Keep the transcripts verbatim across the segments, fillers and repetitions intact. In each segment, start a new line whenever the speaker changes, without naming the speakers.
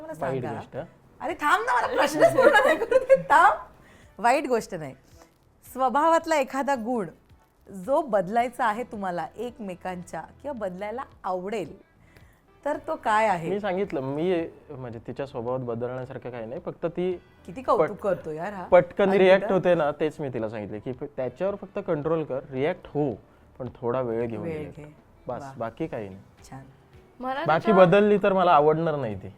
मला
वाईट
सांगा.
गोष्ट.
अरे थांब ना, मला प्रश्नच पूर्ण नाही करू दे. थांब. वाईट गोष्ट नाही, स्वभावातला एखादा गुण जो बदलायचा आहे तुम्हाला एकमेकांच्या किंवा बदलायला आवडेल, तर तो काय आहे?
मी सांगितलं, मी म्हणजे तिच्या स्वभावात बदलण्यासारखं काही नाही, फक्त ती
किती कौतुक करतो यार हा.
पटकन रिॲक्ट होते ना, तेच मी तिला सांगितले की त्याच्यावर फक्त कंट्रोल कर, रिॲक्ट हो पण थोडा वेळ घेऊन
वेळ
react.
घे.
बस,
वा.
बाकी काही नाही.
छान.
मला
बाकी बदलली तर मला आवडणार नाही ती.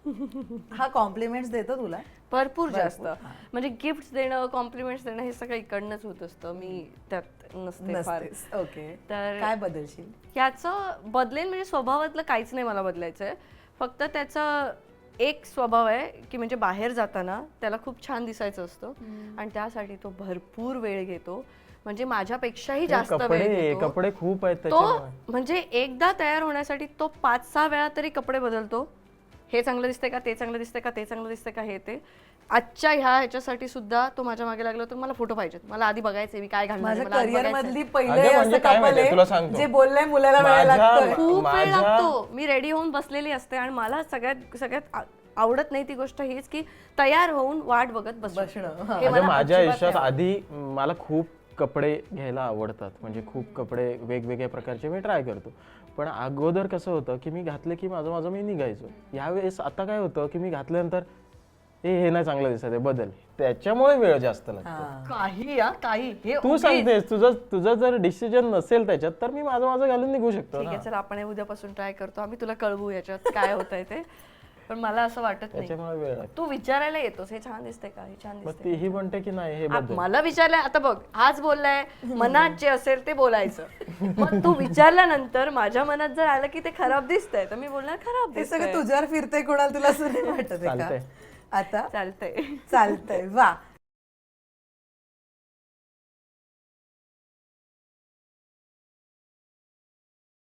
हा कॉम्प्लिमेंट्स देतो तुला?
भरपूर जास्त म्हणजे गिफ्ट देणं, कॉम्प्लिमेंट्स देणं हे सगळं इकडनंच होत असतं. मी त्यात नसते फार.
नसतेस. ओके.
तर
काय बदलशील?
याचं बदलेल म्हणजे स्वभावातलं काहीच नाही मला बदलायचंय. फक्त त्याचा एक स्वभाव आहे की म्हणजे बाहेर जाताना त्याला खूप छान दिसायचं असतं आणि त्यासाठी तो भरपूर वेळ घेतो. म्हणजे माझ्यापेक्षाही जास्त वेळ
कपडे
घेतो.
कपडे खूप आहेत
तो
त्याच्यामुळे.
म्हणजे एकदा तयार होण्यासाठी तो पाच सहा वेळा तरी कपडे बदलतो. हे चांगलं दिसतंय का, ते चांगलं दिसतंय का, ते चांगलं दिसतंय का, हे ते. आजच्या ह्या ह्याच्यासाठी सुद्धा तो माझ्या मागे लागला तर मला फोटो पाहिजेत, मला आधी बघायचे मी काय घालणार आहे,
माझ्या
मला आधी
करिअर
बघायचंय.
मधली
अगं
पहिले
म्हणजे
असं
काय
couple
माहितीये, तुला
आहे
सांगतो.
जे बोललंय मुलाला वेळ
माझ्या-
लागतोय.
खूप वेळ
माझ्या-
लागतो. मी रेडी होऊन बसलेली असते आणि मला सगळ्यात सगळ्यात आ- आवडत नाही ती गोष्ट हीच की तयार होऊन वाट बघत बसणं.
बसणं. हा.
हे
अगं
मला
माझ्या
अजिबात
आयुष्यात
नाही
आधी मला खूप कपडे घ्यायला आवडतात, म्हणजे खूप कपडे वेगवेगळ्या प्रकारचे मी ट्राय करतो. पण अगोदर कसं होतं की मी घातलं की माझं माझं मी निघायचो. यावेळेस आता काय होतं की मी घातल्यानंतर हे हे नाही चांगलं दिसत आहे, बदल. त्याच्यामुळे वेळ जास्त लागतो.
हा.
काही या काही हे
तू
उगीच.
सांगतेस तुझं तुझं जर डिसिजन नसेल त्याच्यात तर मी माझं माझं घालून निघू शकतो
ठीक
ना.
आहे, चल आपण हे उद्यापासून ट्राय करतो. आम्ही तुला कळवू याच्यात काय होतंय ते. पण मला असं वाटत नाही.
त्याच्यामुळे वेळ लागतो.
तू विचारायला येतोस हे छान दिसतंय का, हे छान
मग
दिसतंय
तीही म्हणते की नाही हे
आ-
बदल.
मला विचारलंय, आता बघ हाच बोललाय मनात जे असेल ते बोलायचं. मग तू विचारल्यानंतर माझ्या मनात जर आलं की ते खराब दिसतंय तर मी बोलणार खराब
हे सगळं
दिसतंय.
तुझ्यावर फिरतंय, कोणाला तुला असं नाही वाटत आहे
चालतंय.
का? आता
चालतंय.
चालतंय. वा.